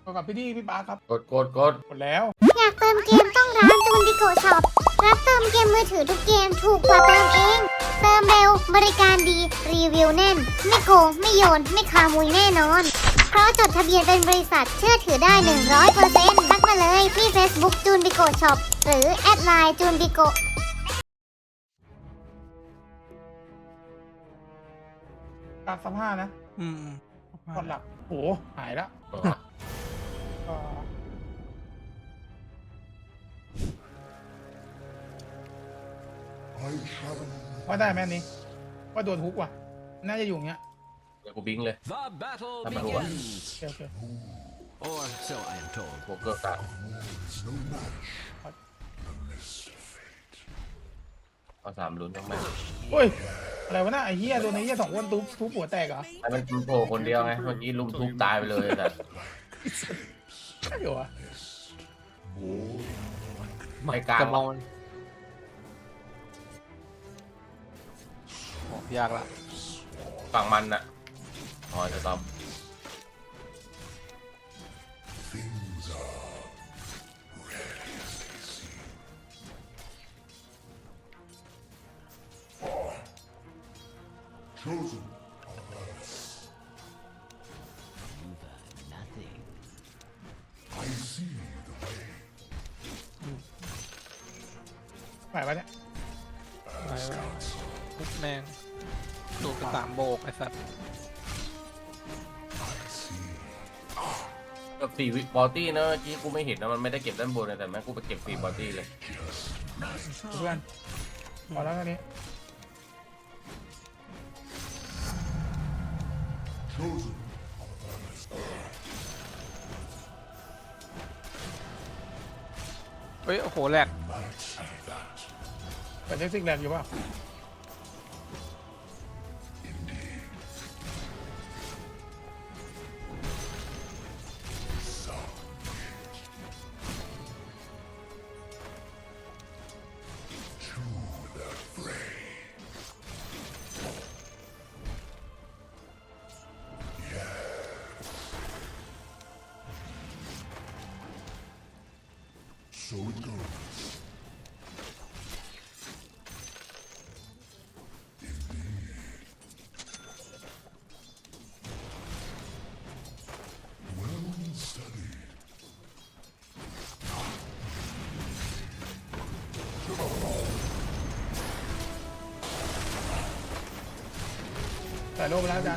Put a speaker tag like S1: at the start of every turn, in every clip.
S1: กับพี่ปาร์คครับ
S2: กด
S1: หมดแล้ว
S3: อยากเติมเกมต้องร้านจูนบิโกช็อปรับเติมเกมมือถือทุกเกมถูกกว่าเติมเอง เติมเร็วบริการดีรีวิวแน่นไม่โกงไม่โยนไม่คามุยแน่นอนเพราะจดทะเบียนเป็นบริษัทเชื่อถือได้ 100% ทักมาเลยที่ Facebook จูนบิโกช็อปหรือแอดไลน์จูนบิโก
S1: การสัมภาษณ์นะก่อนหลักโหหายละว่าได้ไหมอันนี้ว่าโดนฮุกว่ะน่าจะอยู่อย่างเงี้ย
S2: เดี๋ยวกูบิงเลย
S4: The battle
S2: ทำไมหัว
S4: begins.
S1: โอเค
S4: Or so I am told.
S2: โบเกอร์กลางเอา3ลุ้นทั้งแม่
S1: โอ้ยอะไรวะน่ะไอ้เหี้ยโดนไอ้เหี้ย2 คนทุบหัวแตกเหรอ
S2: ไอ้มันโผล่คนเดียวไงเมื่อกี้ลุมทุบตายไปเลยแต่
S1: ใช่เหรอวะ
S2: ไม่กล้า
S5: จะมองโอ้ยากละ
S2: ฝั่งมันน่ะอ๋อจะตอม
S6: Chosen.
S4: Nothing.
S6: I see the way.
S1: ไหวปะเนี่ย
S5: ไปปุ๊บแมงดูกระสามโบกไอ้สัตว์
S2: กับ4 วิบอตี้นะเมื่อกี้กูไม่เห็นนะมันไม่ได้เก็บด้านบนนะแต่แม่งกูไปเก็บฟรีบอตี้เลย
S1: เพื่อนพอแล้วแค่นี้
S6: Chosen.
S5: เฮ้ยโอ้โหแหลก
S1: แต่เท็กซิกแรงอยู่ป่ะ
S6: So it goes. Indeed. Well studied.
S1: ใส่โลไปแล้วอาจารย์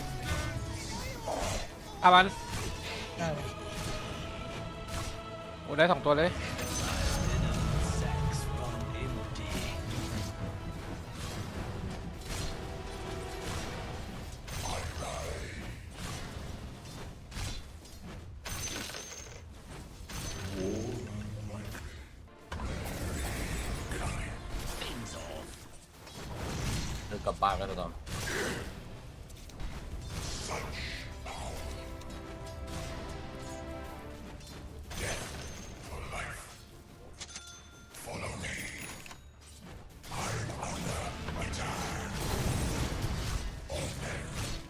S5: อามัน
S1: ได้เลย
S5: โอ้ได้2 ตัวเลย
S2: เดินกลับปากกันตอม
S6: For life. Follow me. I honor my time. Open.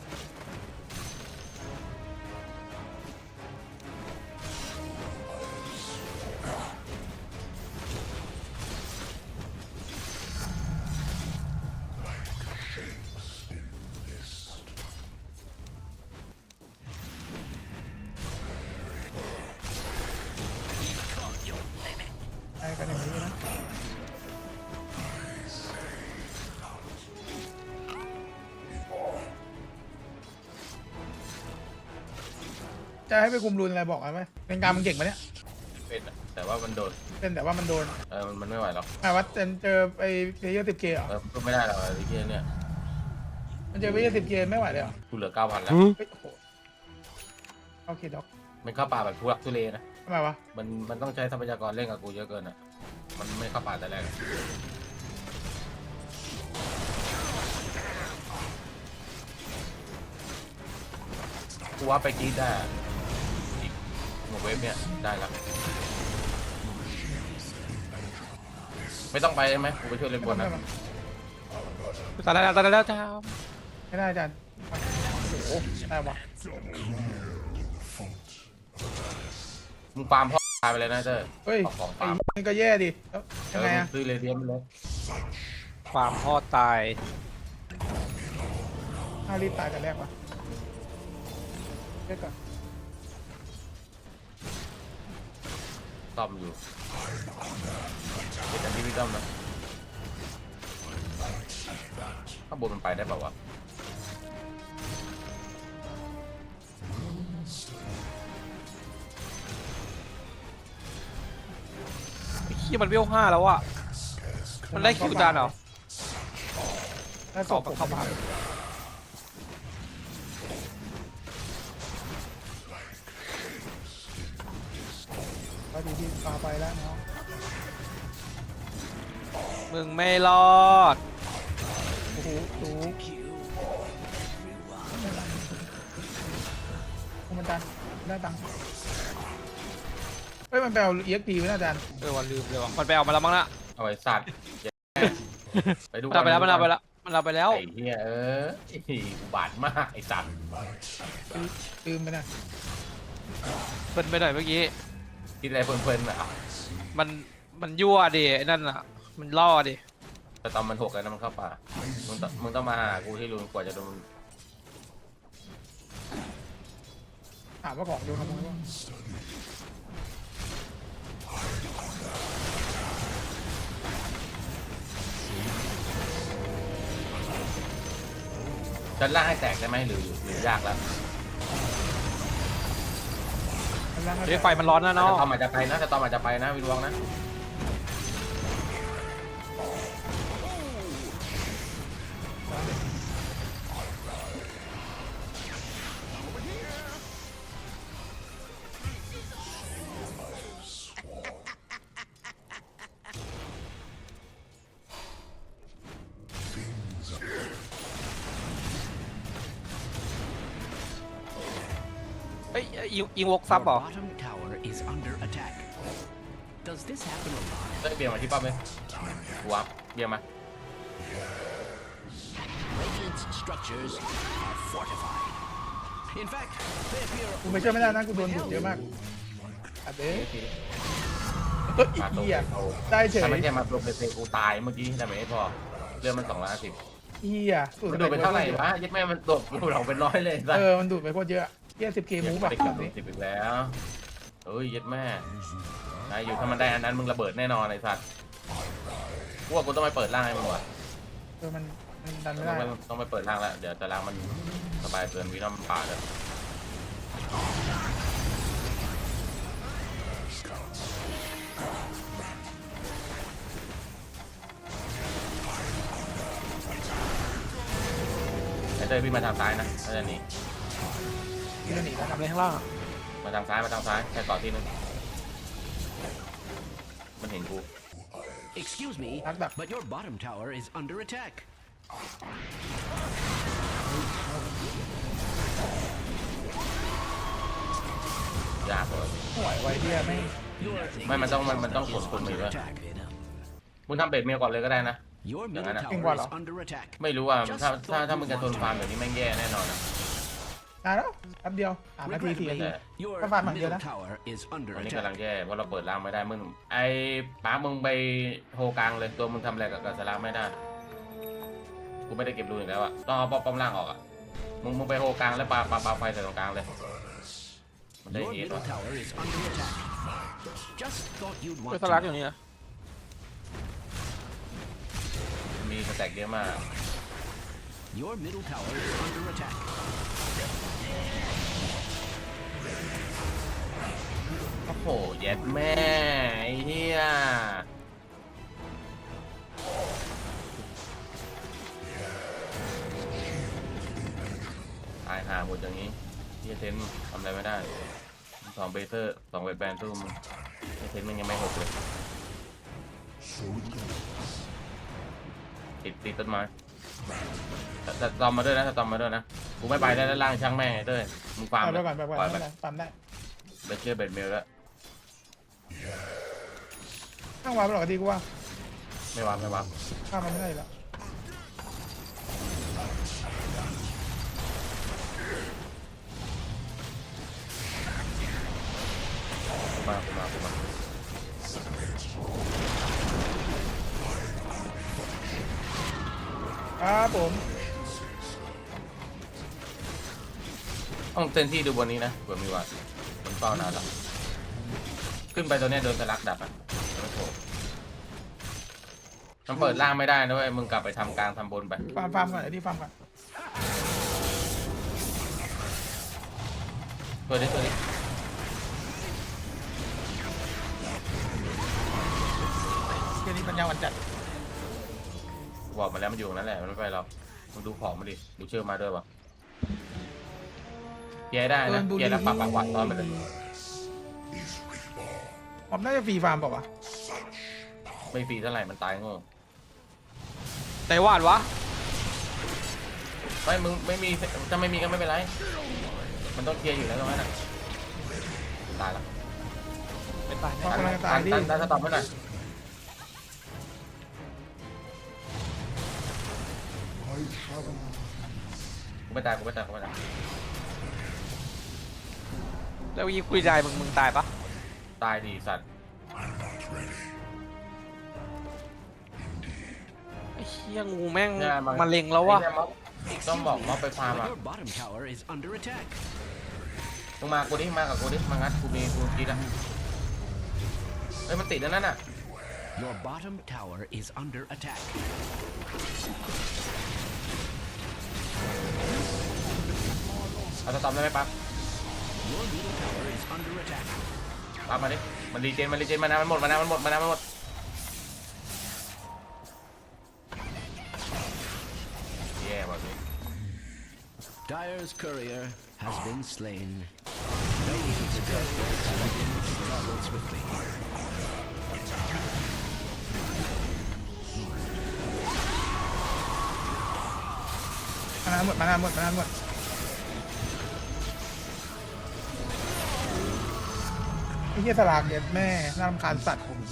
S1: ได้กันอย่างนี้นะจะให้ไปคุมรูนอะไรบอกไหมเป็นการมันเก่งไหมเนี่ย
S2: เป็นอะแต่ว่ามันโดน
S1: เป็นแต่ว่ามันโดน
S2: มันไม่ไหวหรอก
S1: ว่าเจอไปเพย์เยอร์10K เหรอ
S2: ก็ไม่ได้หรอกไอ้เหี้ยเนี่ย
S1: มันเจอเพย์เยอร์10K ไม่ไหวเลยเหรอ
S2: กูเหลือ 9,000 แล้ว
S1: เฮ้ยโอ้โหโอเคด็อก
S2: มันเข้าป่าแบบทุรักทุเลนะ
S1: ทำไมวะ
S2: มันต้องใช้ทรัพยากรเล่นกับกูเยอะเกินอ่ะมันไม่เข้าป่าแต่แรกกูว่าไปกรีดได้อีกหัวเว็บเนี่ยได้แล้วไม่ต้องไปใช่ไหมกูไปช่วยเล่นบนนะ
S5: ตายแล้วจ้า
S1: ไม่ได้อาจารย์โอ้โหได้ปะ
S6: Clear the font of
S2: มึงฟาร์มพ่อตายไปเลยนะเต้ย
S1: เฮ้ย
S2: เอาของ
S1: ไอ้
S2: ฟาร์ม
S1: นี่ก็แย่ดิแล้วยังไง
S2: มึ
S1: อะ
S2: ซื้อเรเดียมไปเลย
S5: ความพ่อตาย
S1: ถ้ารีบตายแต่แรกวะเช็คก่อน
S2: ต้อมอยู่เป็นอันที่พี่ต้อมนะข้างบนมันไปได้เปล่าวะ
S5: ไอ้ขี้ยมันเวล5แล้วอะมันได้คิวจานเหรอ
S1: ถ้าศ
S5: ต่อ
S1: พผม
S5: เข้ามา
S1: ก็ดีที่ปาไปแล้วเนาะ
S5: มึงไม่รอด
S1: โอ้โหสูงมันดันได้ตังค์เฮ้ยมันแปลเอ็กพีไว้นะอาจารย์
S5: วันลืมเลยว่ะมันไปเอามาแล้วมั้งนะ
S2: เอาไอ้สัตว์ไปดู
S5: มันเอาไปแล้วมันเอาไปแล้วมันเอาไปแล้ว
S2: ไอ้เหี้ยอุบาทมากไอ้สัตว์
S1: ลืมไปนะ
S5: เพิ่นไปหน่อยเมื่อกี้
S2: คิดอะไรเพลินๆอ่ะ
S5: มันยั่วดิไอ้นั่นอ่ะ มันล่อดิ
S2: แต่ตอนมันหกแล้วนะมันเข้าป่ามึงต้องมาหากูที่รูนกว่าจะโดน
S1: ถามว่าของโดนขโมยป่ะ
S2: จะล่ากให้แตกได้ไหมหรือยากแล้ว
S1: มันล่าง
S5: เฮ้ยไฟมันร้อนนะ
S2: แต่
S5: เนาะ
S2: ตอนอาจจะไปนะแต่ตอนอาจจะไปนะวินวองนะ
S5: เฮ้ยยิงวกซับ
S4: Your
S5: เหรอ
S4: bottom tower is under attack. Does this happen a lot?
S2: เต้ยเบียร์มาที่ป้อมเลยวับเบียร์มา
S4: Radiant's structures are fortified. In fact, they appear
S1: กูไม่เชื่อไม่ได้นะกูโดนดุเยอะมากอัดเด้เฮ้ยอีกทีอ่ะได้เฉย
S2: ถ้าไม่ใช่มาตัวเป็นเซกูตายเมื่อกี้แต่ไม่พอเรื่องมัน250
S1: อีอ่ะ
S2: มันดูดไปเท่าไหร่วะยัดแม่มันตกกูเราเป็นร้อยเลยสัส
S1: มันดูดไปโคตรเยอะเยี่ย10K มูฟแบบ
S2: ได้
S1: แบบนี้
S2: 10อีกแล้วเอ้ยยัดแม่นายอยู่ถ้ามันได้อันนั้นมึงระเบิดแน่นอนไอ้สัตว์กูว่ากูต้องไปเปิดร่างให้มึงว่ะ
S1: มันดันไม่
S2: ต้
S1: ได้
S2: องไปเปิดร่างแล้วเดี๋ยวตารางมันสบายเกินวินอมป่าเลยไอ้เต้ยพี่มาทางซ้ายนะถ้าจะหนี
S1: ที่จะหนีแล้ว
S5: ทำอะไรข้างล่างอะ
S2: มาทางซ้ายแค่ต่อที่นึงมันเห็นกู
S4: Excuse me, but your bottom tower is under attack.
S2: ยากเลย
S1: ห่วยไว้เที่ยไม่
S2: ไม่มันต้องกดปุ่มอีกด้วย
S4: Attack.
S2: มึงทำเบ็ดเมลก่อนเลยก็ได้นะ
S4: Your middle
S2: Jangan nak.
S4: tower is under attack.
S2: ไม่รู้ว่าถ้ามึงจะทนฟาร์มแบบนี้แม่งแย่แน่นอนนะ
S1: นานแล้วแป๊บเดียว3 นาที 4 นาที
S4: Your
S1: Các bạn mặc
S4: middle
S1: gì đó?
S4: tower is under
S2: วันนี้กำลัง
S4: attack.
S2: แย่เพราะเราเปิดร่างไม่ได้มึงไอ้ป้ามึงไปโฮกลางเลยตัวมึงทำอะไรกับสลามไม่ได้กูไม่ได้เก็บรูอีกแล้วอะต้องเอาป้อมล่างออกอะมึงไปโฮกลางแล้วปาไฟใส่ตรงกลางเลยมันได้
S4: Your
S2: เฮด
S4: middle
S2: ว่ะ
S4: tower is under attack. Just thought you'd
S5: เฮ้ย
S4: want
S5: สลักอ
S4: to.
S5: ยู่นี่นะ
S2: มีสแต็กเยอะมาก
S4: Your middle tower is under attack.
S2: โอ้โหเย็ดแม่ไอ้เหี้ยตายหาหมดอย่างนี้เฮียเทนทำอะไรไม่ได้2เบเซอร์2เวทแบนตู้มึงเฮียเทนมันยังไม่หกเลยติดต้นไม้แต่ตอมมาด้วยนะตอมมาด้วยนะกูไม่ไปได้ด้านล่างช่างแม่งไอ้เต้ยมึงฟาร์ม
S1: ไปก่อนไปก่อน
S2: ปล่อย
S1: ไม่
S2: ไป
S1: เป็นไรปั๊มได้
S2: เบเชอร์เบ็ดเมลแล้ว
S1: ข้างวางไปหรอกดีกูว่า
S2: ไม่วาง
S1: ข้ามมันไม่ได้แล้ว
S2: มา
S1: ครับผม
S2: ต้องเต็มที่ดูบนนี้นะเผื่อมีวัดมันเฝ้านานแล้วขึ้นไปตัวเนี้ยโดนสลักดับอ่ะไม่โผล่มันเปิดล่างไม่ได้นะเว้ยมึงกลับไปทำกลางทำบนไป
S1: ฟาร์มก่อนไอ้ที่ฟาร์มก่อน
S2: ตัวนี้
S1: เกมนี้ปัญญาวันจัด
S2: บอกมาแล้วมันอยู่ตรงนั้นแหละมันไม่ไปหรอกมึงดูของมันดิดูเชื่อมาด้วยวะเกียร์ได้นะเกียร์แล้วปรับหวานตอนไปเลย
S1: ผมน่าจะฟรีฟาร์มเปล่าวะ
S2: ไม่ฟรีเท่าไหร่มันตายโง่
S5: ไต้หวันวะ
S2: ไม่มึงไม่มีถ้าไม่มีก็ไม่เป็นไรมันต้องเคลียร์อยู่แล้วตรงนั้นน่ะตายแล้ว
S5: เป็นตาย
S1: พอกำลังจะตายดิ
S2: ตันสต็อปไว้หน่อย กูไม่ตาย
S5: แล้วยีคุยใจมึงตายปะ
S2: ตายดีสัตว์
S5: ไอ้เหี้ยงูแม่ง
S2: เนี่ย
S5: มาเล็งแล้ววะ
S2: ไอ้เนี่ยม็อบต้องบอกม็อบไปฟาร์มอ่ะ
S4: Your bottom tower is under attack.
S2: มึงมากูดิมากับกูดิมางัดกูมีกูกินอ่ะเฮ้ยมันติดแล้วนั่นน่ะ
S4: Your bottom tower is under attack.
S2: เอาสต็อปได้ไหมปั๊บ
S4: Your middle tower is under attack.
S2: ปั๊บมาดิมันรีเจนมานะมันหมดแย่แบบนี้
S4: Dire's courier has been slain. No easy death travel swiftly.
S1: มานานหมดไอ้เหี้ยสลากเด็ดแม่น่ารำคาญสัตว์ผม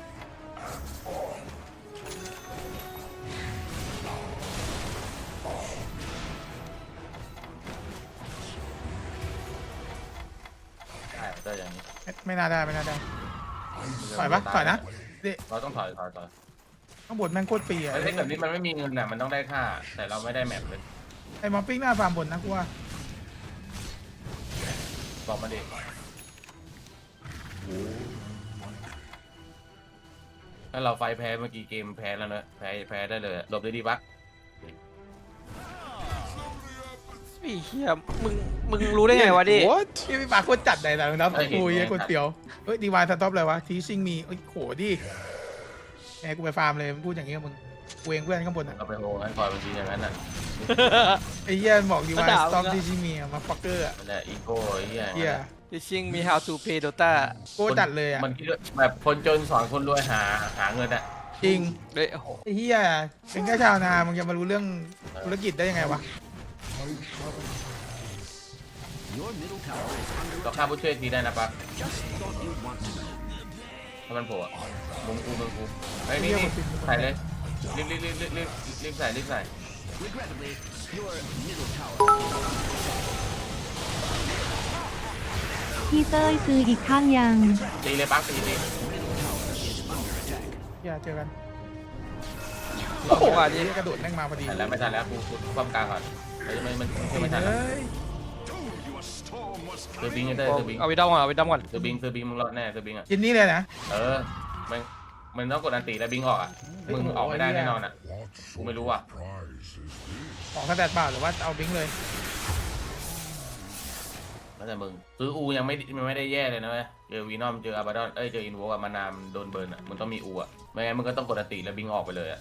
S2: ได้ได้อย่างนี้
S1: ไม่น่าได้ถอยปะถอยนะดิ
S2: เราต้องถอย
S1: ข้างบนแม่งโคตรฟรีอะ
S2: ไอ้แบบนี้มันไม่มีเงินน่ะมันต้องได้ค่าแต่เราไม่ได้แมปเลย
S1: ไอ้มอปปิ้งหน้าฟาร์มบนนะกูว่า
S2: บอกมาดิถ้าเราไฟแพ้เมื่อกี้เกมแพ้แล้วนะแพ้ได้เลยหลบได้ดีปะ
S5: ไอ้เหี้ยมึงรู้ได้ไงวะดิ
S1: โอ้ที่พี่ปากโคตรจัดเลยนะน้ำคุยไอ้คนเตียวเฮ้ยดีวายสต็อปเลยวะทีซิงมีเอ้ยโหดิแกกูไปฟาร์มเลยพูดอย่างงี้กับมึงกูเองเพื่อนข้างบนอ่ะ
S2: เราไปโหงั้นคอยบางทีอย่างนั้นน่ะ
S1: ไอ้เหี้ยบอกดีวายสต็อปทีซิงมีมาฟักเกอร์อ่ะ
S2: มันแหละอีโก้ไอ้เหี้ย
S1: เหี้ย
S5: Teaching me how to play Dota
S1: โคตรจัดเลยอ่ะ
S2: มันคิดว่าแบบคนจนสอนคนรวยหาเงินอ่ะ
S1: จริง
S5: เฮ้ยโอ้โห
S1: ไอ้เหี้ยเป็นแค่ชาวนามึงจะมารู้เรื่องธุรกิจได้ยังไงวะ
S4: Your middle tower is under
S2: เราฆ่า
S4: attack.
S2: ผู้ช่วยทีได้นะปั๊บ
S4: Just thought you'd want to know.
S2: ถ้ามันโผล่อะมุมกูไอ้ยนี่ใส่เลยรีบใส่
S4: Regrettably, your middle tower
S7: พี่เต้ยซื้ออีกข้างยัง
S2: ตีเลยปั๊บตีเลย
S4: is under attack.
S1: เหี้ยเจอกัน
S5: โอ้โหอัน
S1: ไอ้
S5: นี้
S1: เหี้ยกระโดดแม่งมาพอดี
S2: แต่แล้วไม่ทันแล้วกูความกลางก่อนมันไม่ทัน
S1: เฮ้ย
S2: ซื้อบิงไอ้เต้ยซื้อบิง
S5: เอาไปดอมก่อน
S2: ซื้อบิงมึงรอดแน่ซื้อบิงอ่ะ
S1: กินนี่เลยนะ
S2: มันต้องกดอันตีแล้วบิงออกอ่ะมึงออกไม่ได้แน่นอนอ่ะ
S6: What
S2: กูไม่รู้อ่ะ
S6: prize is this?
S1: ของสแตทเปล่าหรือว่าเอาบิงค์เลย
S2: แล้วแต่มึงซื้ออูยังไม่ได้แย่เลยนะเว้ยเจอวีนอมเจออาบาดอนเจออินโวกับมานามโดนเบิร์นอ่ะมึงต้องมีอูอ่ะไม่งั้นมึงก็ต้องกดอันตีแล้วบิงออกไปเลยอ่ะ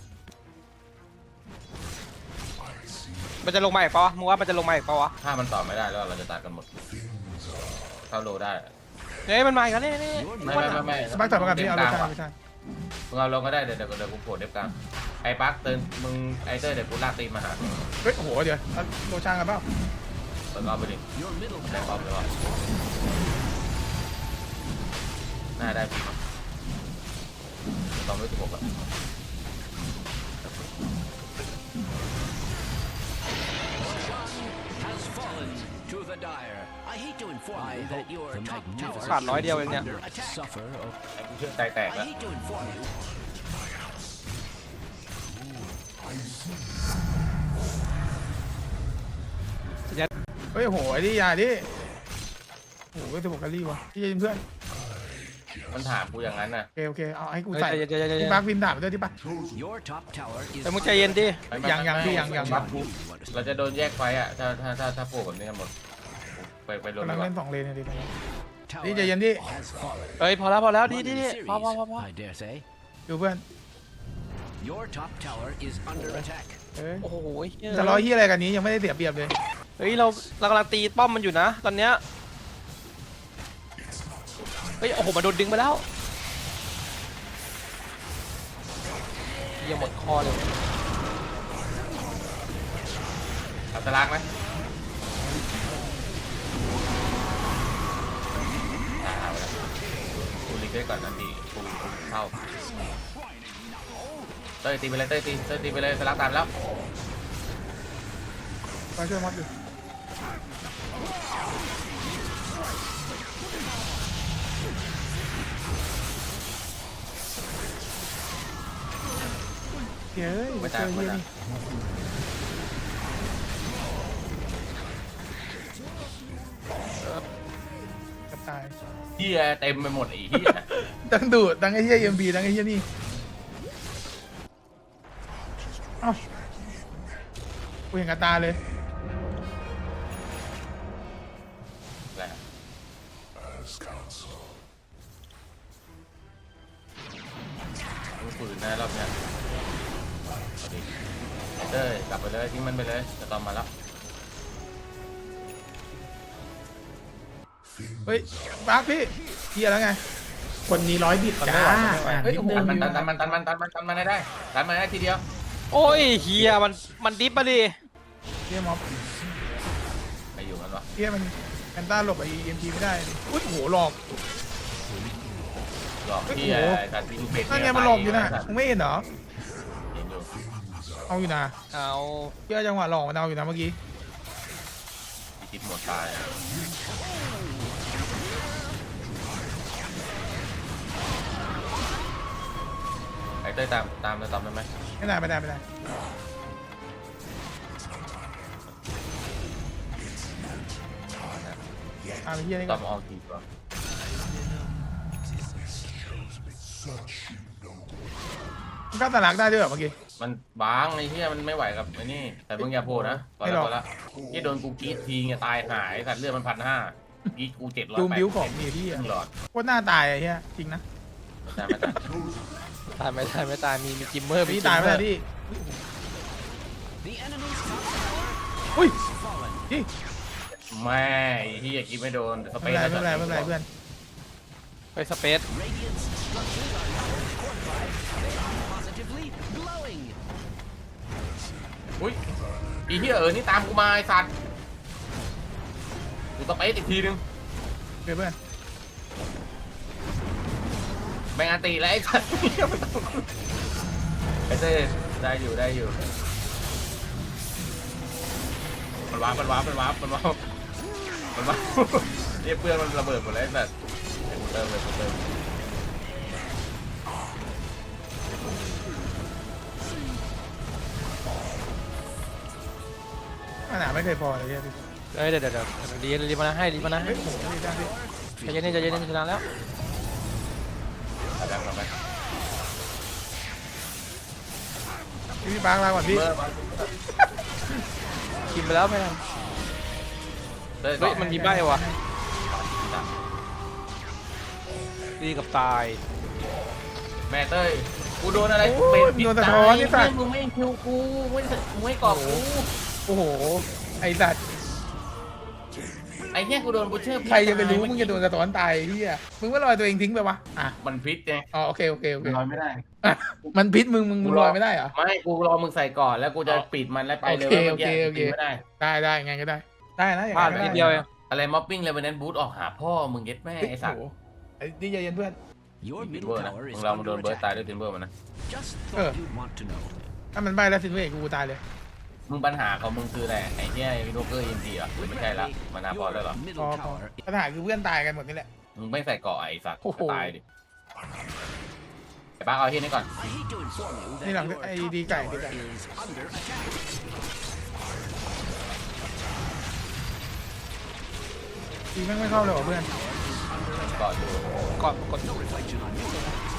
S5: มันจะลงมาอีกปะวะมึงว่ามันจะลงมาอีกปะวะ
S2: ถ้ามันต่อไม่ได้แล้วเราจะตายกันหมดเข้าโลได้
S5: เฮ้ยมันมาอีกแล้วนี่
S2: ไม่
S1: สปักต่อมากับพี่เอา
S2: ก
S1: โร
S2: ลาง
S1: ชา
S2: ว่ะ
S1: ไม่ใช่
S2: มึงเอาลงก็ได้เดี๋ยวกูโผล่เด็บกลางไอ้ปักเตือนมึงไอ้เต้ยเดี๋ยวกูลากตีนมาหา
S1: เฮ้ยโอ้โหเดี๋ยวเอาโรชากันเปล่า
S2: เปิดรอบไปดิ
S4: Your middle
S2: ได้รอบ
S4: tower
S2: เลยว่ะน่าได้พี่ต้องรู้สึกแบบ
S4: has fallen to the dire. I hate to inform you that your top tower
S5: ขาดร้อยเดียวเอง
S4: is
S5: เนี่ย
S4: under attack. Suffer.
S2: ไอ้กูเชื่อใจแตก
S4: I
S2: แล้ว
S4: hate to inform you.
S1: เฮ้ยโหไอ้ดิอย่าดิโอ้โหจะบอกกะลี่วะพี่เย็นเพื่อน
S2: มันถามกูอย่างนั้นน่ะ
S1: โอเคเอาให้กู
S5: เฮ้ย
S1: ใส่
S5: ใจเย็นใจเย็นใจเย็
S1: พี่
S5: น
S1: ปาร์คพิมพ์ถามไปด้วยที่ปะ
S4: Your top tower is
S5: แต่มึงใจเย็นดิ
S1: ยังพี่ยัง
S2: บัฟกูเราจะโดนแยกไฟอ่ะถ้าโผล่แบบนี้กันหมดไปรวม
S1: กำลั
S2: ดี
S1: ง
S2: กว่า
S1: เล่น2 เลนเลยดิ
S4: tower
S1: นี่ใจเย็นดิ
S4: has fallen.
S5: เฮ้ยพอแล้วดี
S4: One in
S5: ดี
S4: the
S5: พอ
S4: series, I dare say.
S1: ดูเพื่อน
S4: Your top tower is under attack.
S1: เอ้ย
S5: โอ้โหเหี้ย
S1: จะร้อยที่อะไรกันนี้ยังไม่ได้เสียเปรียบเลย
S5: เฮ้ยเรากำลังตีป้อมมันอยู่นะตอนเนี้ยเฮ้ยโอ้โหมาโดนดึงไปแล้วยังหมดคอเลย
S2: เอาตะลากไหมเอาละกูรีเควสก่อนนะพี่กูเข้าเต้ยตีไปเลยเต้ยตีไปเลยตะลากตามแล้ว
S1: มาช่วยมอสอยู่เฮ้ย
S2: ไม่
S1: เจ
S2: ตาย
S1: อ
S2: ไม่
S1: เฮีย
S2: ตาย
S1: นี่จะตาย
S2: เฮียเต็มไปหมดไอ้เฮีย
S1: ตั้งดูดตั้งไอ้เฮียเอ็มบีตั้งไอ้เฮียนี่เอ้ากูเห็นกับตาเลย
S2: แหละ
S6: As counsel.
S2: มึงฝืนนะรอบเนี้ยเอาดิเต้ยกลับไปเลยทิ้งมันไปเลยจะตอมมาแล้ว
S1: เฮ้ยปาร์คพี่เฮียแล้วไง คนนี้ร้อยบิดจ้าเฮ้ยโอ้โห
S2: ตันมันได้ตันมันได้ทีเดียว
S5: โอ้ยเฮียมันดิฟมาดิ
S1: เฮียม็อบ
S2: ไปอยู่มันวะ
S1: เฮียมันแอนต้าหลบไอ้เอ็มทีไม่ได้ดิอุ้ยโหหลอก
S2: หลอกพี่ไอ้การทิ้งเป็ด
S1: นั่นไงมันหลอกอยู่นะมึงไม่เห็นเหรอ
S2: เห็นอยู่
S1: เอาอยู่นะ
S5: เอา
S1: เฮียจังหวะหลอกมันเอาอยู่นะเมื่อกี้
S2: พี่คิดหมดตายไอ้เต้ยตามจะตอมได้ไหม
S1: ไม่ได้ไม่ได้ไม่ได้ไอ้เฮียนี่
S2: ต
S1: ก็
S2: อมออกกี่ตัว
S6: Such you know.
S1: มันเข้าตลาดได้ด้วยเหรอเมื่อกี้
S2: มันบางไอ้เหี้ยมันไม่ไหวกับไอ้นี่แต่มึงอย่าโผล่นะพอ
S1: ไม่
S2: แล้
S1: หร
S2: ว
S1: อก
S2: พอแล้วที่โดนกูกรีดทีเนี่ยตายหายสัตว์เลือดมัน1,500กรีดกู700
S1: ดูบิวของมีพี่
S2: ค
S1: อะ
S2: รึ่งหลอด
S1: โคตรหน้าตายไอ้เฮียจริงนะ
S2: ไม่ตาย
S5: ตายไม่ตายมีจิมเมอร์
S1: พี่ตายไม่ได้พี่
S4: The enemy's top tower
S1: อุ้ย
S4: has fallen.
S1: พี่
S2: แม่ไอ้เหี้ยกินไม่โดนสเป
S1: ไม่
S2: ซ
S1: เป็นไรไม่เป็นไรไม่เป็นไรเพื่อน
S5: ไปสเปซ
S4: Radiant's structures are now fortified. They are positively glowing.
S2: อุ้ยไอ้เหี้ยนี่ตามกูมาไอ้สัตว์กูสเปซอีกทีนึง
S1: เพื่อน
S2: แม่งอันตีแล้วไอ้สัตว์ไอ้เต้ได้อยู่มันว้าเรียกเพื่อนมันระเบิดหมดแล้วไอ้สัตว์ไอ้กูเติมเลยกูเติม
S1: ขนาดไม่เคยพอเลยเฮียพี่
S5: เฮ้ยเดี๋ยวรีบมานะให้
S1: เฮ้ยโหนี่ได้พี่
S5: ใจเย็นชนะแล้ว
S2: เอาแบบเราไป
S1: พี่ปาร์คลาก่อนพี่
S2: เมื่อวัน
S5: กินไปแล้วไม่ทันเฮ้ยมันมีใบวะดีกับตาย
S2: แม่เต้ยกูโดนอะไร
S1: โอ้ยโดนสะท้อนนี่สัตว์
S2: มึงไม่คิวกูมึงไม่กรอบกู
S1: โอ้โหไอสัตว์
S2: ไอ้เหี้ยกูโดนบูเชอร์
S1: ใครจะไปรู้มึงจะโดนสะท้อนตายพี่อะมึงว่าลอยตัวเองทิ้งไปวะอ่ะ
S2: มันพิษไง
S1: อ๋อโอเค
S2: ลอยไม่ได้
S1: อ่ะมันพิษมึงลอยไม่ได้เหรอ
S2: ไม่กูรอมึงใส่ก่อนแล้วกูจะปิดมันแล้วไปเลย
S1: โอเค
S2: ว่าเมื่อกี้ปิดไม่ได้
S1: ได้ไงก็ได้ได้นะอย่าง
S5: พลาด
S1: นั้นก็
S5: นิด
S1: ได้
S5: เดียวเอง
S2: อะไรม็อบปิ้งเลยวันนั้นบูทออกหาพ่อมึงเย็ดแม่ไอ้สัตว์
S1: โโหไอ้นี่ใจเย็นเพื่อน
S4: Your
S2: ทิน
S4: middle
S2: เบอร์นะ
S4: tower
S2: มึ
S4: is
S2: งเรามาโด
S4: under
S2: นเบิร์ดตาย
S4: attack.
S2: ด้วยทินเบอร์มันนะ
S4: Just thought you'd want to know.
S1: ถ้ามันใบแล้วสินเวกกูตายเลย
S2: มึงปัญหาของมึงคืออะไรไอ้เนี่ยโรเกอร์ยินดีอ่ะหรือไม่ใช่ละมานาพอแล้วเหรอ
S1: พ
S4: middle
S1: อ
S4: tower
S1: ปัญหาคือเพื่อนตายกันหมดนี่แหละ
S2: มึงไม่ใส่เกาะไอ้สัตว์
S1: โอ้โห
S2: ตายดิไอ้บ้าเอาที่นี่ก่อน
S4: I hate to inform you that
S1: นี่หลัง
S4: your
S1: ไอ้
S4: top
S1: ดีไก่
S4: tower
S1: ดีไก่
S4: is under attack.
S1: ทีแม่งไม่เข้าเลยว่ะเพื่อน
S2: เกาะอยู่
S5: ก่อนกด
S4: No reflection on you.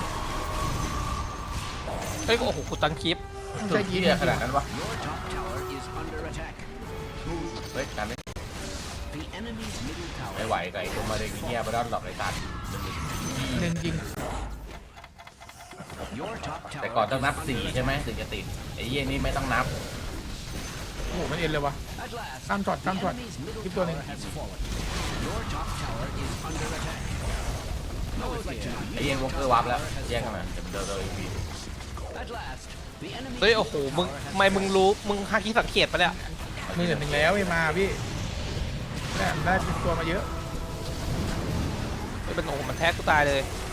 S5: เฮ้ยโอ้โหกูตันคลิป
S1: มัน
S2: สุ
S1: ใช่
S2: ด
S1: ยี
S2: ที่
S1: น
S2: ขนาดนั้นวะ
S4: Your top tower is under attack.
S2: เฮ้ยการไม่
S4: The enemy's middle
S2: ไม่
S4: tower
S2: ไหวกับไอ้ตัวมาเด็กเงี้ยไปด้านหลอกไอ้สัตว์
S1: เล่นจริง
S4: Your top
S2: แต่
S4: tower
S2: ก่อนต้องนับ
S4: is
S2: 4
S4: under
S2: ใช่ไหมถึงจะติดไอ้เยี่ยนี่ไม่ต้องนับ
S1: โอ้โหมันเอ็นเลยวะ
S4: At last,
S1: ข้ามช็อต
S4: the
S1: ข้ามช็อต
S4: enemy's middle
S1: คลิปตัวหนึง
S4: tower has fallen. Your top tower is under attack. No reflection on
S2: ไอ้
S4: you.
S2: เยี่ยวอลเกอร์วับแล้วแยกกันมาเดี๋ยวเดินอีก
S4: At last, the enemy's
S5: เฮ้ย
S4: middle
S5: โอ้โหมึง
S4: tower has
S5: ทำไมมึงรู้มึงหาคิดสังเกตปะเนี่ย
S1: มือหนึ่งแล้วไอ้มาพี่แม่ได้ตัวมาเยอะ
S5: เฮ้ยมันโอ้โหมันแท็กกูตายเลย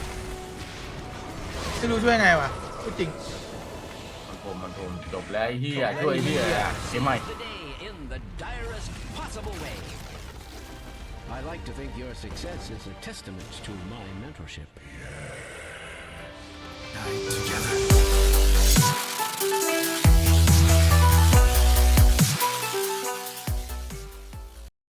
S1: ไม่รู้ช่วยไงวะพูดจริง
S2: มันผมจบแล้วไอ้เฮียช่วยไอ้เฮียเกมใหม่
S4: the day in the direst possible way. I like to think your success is a testament to my mentorship.
S6: I